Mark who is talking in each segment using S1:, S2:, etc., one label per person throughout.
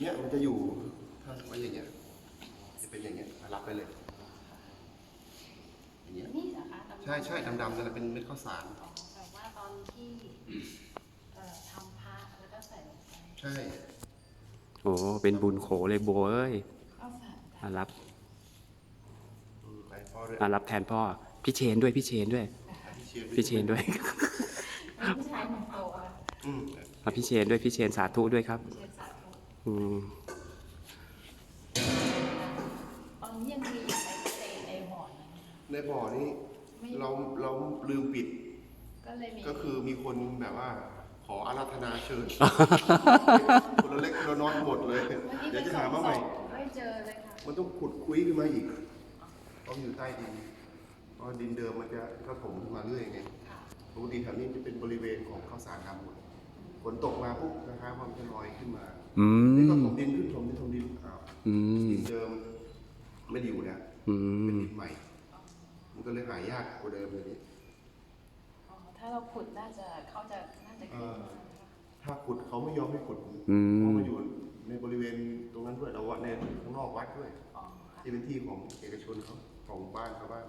S1: เนี่ยมันจะอยู่ถ้าไว้อย่างเงี้ยจะเป็นอย่างเงี้ยรับไปเลยอย่างเงี้ย
S2: นี่เหรอคะ
S1: ใช่ใช่ดำๆนั่นแหละเป็นเม็ดข้าวสาร
S2: แบบว่าตอนที่ทำพระแล้วก็ใส่ลงไป
S1: ใช่
S3: โอ้เป็นบุญโขเลยโบเอ้ย
S2: ข้าวสาร
S3: อารับ
S1: ไปพ่อด้วย
S3: อารับแทนพ่อพี่เชนด้วยพี่เชนด้วยพี่เชนด้วย
S2: ผู้ชายหนุ่มโตอ่ะ
S3: พี่เชนด้วยพี่เชนสาธุด้วยครับ
S2: เชนสาธุ ตอนนี้ยังมีอยู่ในบ่อนั้น
S1: ในบ่อนี้เราลืมปิด
S2: ก็เลยมี
S1: ก็คือมีคนแบบว่าขออาราธนาเชิญ คนละเล็กคนละน้อยหมดเลย เดี๋ยวจะหามาใหม่
S2: ไม่เจอเลยค่ะ
S1: มันต้องขุดคุยขึ้นมาอีกต้องอยู่ใต้ดินเพราะดินเดิมมันจะกระถมขึ้นมาเรื่อยไงปกติแถวนี้จะเป็นบริเวณของข้าวสารดำหมดฝนตกมาปุ๊บนะครับมันจะลอยขึ้นมานี่ก็ถมดินขึ้นถมดินอ้าวดินเดิมไม่ได้อยู่แล้วเป็นดินใหม่ มันก็เลยหายากกว่าเดิมเลยนี่
S2: ถ้าเราขุดน่าจะขึ้น
S1: ถ้าขุดเขาไม่ยอมให้ขุดเพราะมันอยู่ในบริเวณตรงนั้นด้วยเราวัดในข้างนอกวัดด้วยที่เป็นที่ของเอกชนเขาของบ้านชาวบ้าน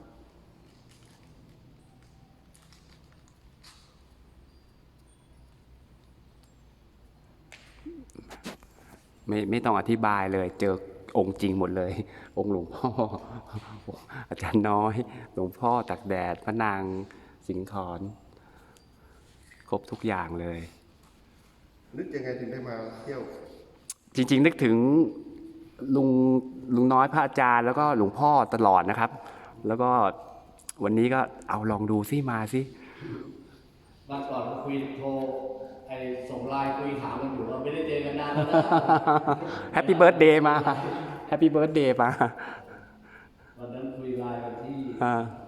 S3: ไม่ต้องอธิบายเลยเจอองค์จริงหมดเลย องค์หลวงพ่อ อาจารย์น้อย หลวงพ่อตักแดดพระนางสิงห์ขอนครบทุกอย่างเลย
S1: นึกยังไงถึงได้มาเที่ยว
S3: จริงๆนึกถึงลุงน้อยพระอาจารย์แล้วก็หลวงพ่อตลอดนะครับ แล้วก็วันนี้ก็เอาลองดูซิมาซิ
S4: วันก่อนคุยโทรส่งไลน์คุยถามกันอยู่ว่าไม่ได้เจอกันนานแล้วนะ
S3: แฮปปี้เบิร์ธเดย์มาแฮปปี้เบิร์ธเดย์มา
S4: วันนั้นคุยไลน์กันที่